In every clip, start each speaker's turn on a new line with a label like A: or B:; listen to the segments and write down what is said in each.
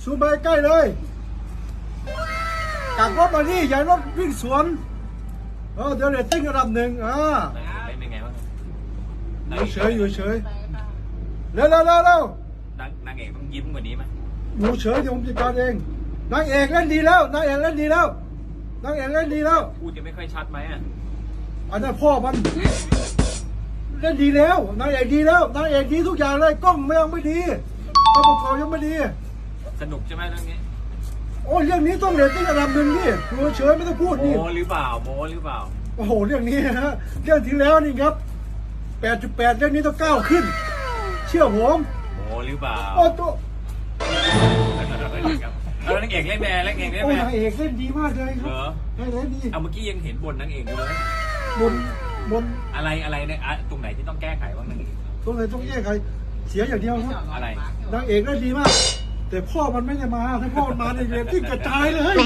A: ซูมไปใกล้เลยกลับรถมานี่อย่ารถวิ่งสวนเดี๋ยวเรตติ้งระดับหนึ่ง
B: เล่นเป็นไงบ้าง
A: อยู่เฉยเร็วน
B: างเอกต้องยิ้มกว่านี้ไหม
A: อยู่เฉยเดี๋ยวผมจัดการเองนางเอกเล่นดีแล้วนางเอกเล่นดีแล้ว
B: พูดจะไม่ค่อยชัดไหมอ่ะ
A: อันนั้นพ่อมันเล่นดีแล้วนางเอกดีแล้วนางเอกดีทุกอย่างเลยกล้องยังไม่ดีตัวประกอบยังไม่ดี
B: สนุกใช่ไหมเรื่องนี้
A: โอ้เรื่องนี้ต้องเรตติ้งระดับหนึ่งนี่ดูเฉยไม่ต้องพูดนี่
B: โม้หรือเปล่า
A: โอ้โหเรื่องนี้นะฮะเรื่องที่แล้วนี่ครับ 8.8 เรื่องนี้ต้องก้าวขึ้นเชื่อผม
B: โม้หรือเปล่า
A: โอ้ตัว
B: แล้วนางเอกเล่นแม่นางเอกเล่นแม่
A: นางเอกเล่นดีมากเลยครับเล่นดี
B: เอาเมื่อกี้ยังเห็นบนนางเอกอยู่เลย
A: บน
B: อะไรเนี่ยตรงไหนที่ต้องแก้ไขบ้างนางเอก
A: ตรงไหนต้องแก้ไขเสียอย่างเดียวครับ
B: อะไร
A: นางเอกเล่นดีมากแต่พ่อมันไม่ได้มาถ้าพ่อมันมาในเรียนที่กระจายเลย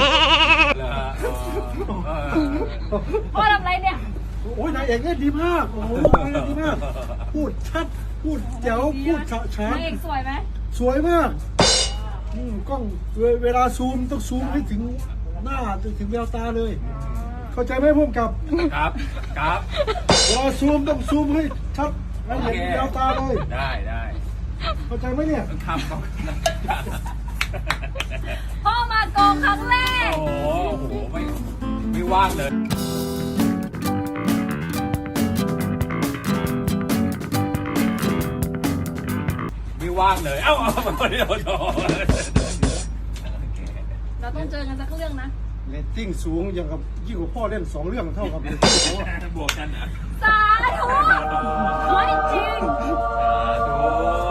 C: พ่อทำไรเนี่ย
A: โอ้ยนางเอกเล่นดีมากโอ้โหเล่นดีมากพูดชัดพูดแจ๋วพูดฉะฉาน
C: นางเอกสวยไหม
A: สวยมากกล้องเวลาซูมต้องซูมให้ถึงหน้าถึงแววตาเลยเข้าใจไหมพุ่มกับเวลาซูมต้องซูมให้ชัดให้เห็นแววตาเลย
B: ได้
A: เข้าใจไหมเนี่ย
B: คำต้อง
C: พ่อมากองครั้งแรก
B: โอ้โหไม่ว่างเลยไม่ว่างเลยเอ้าเดี๋ยว
C: เราต้องเจอกันสักเรื่องนะ
A: เรตติ้งสูงอย่างกับยิ่งกว่าพ่อเล่น2 เรื่องเท่ากับ
B: บวกกันนะ
C: สาธุขอให้จริง
B: สาธุ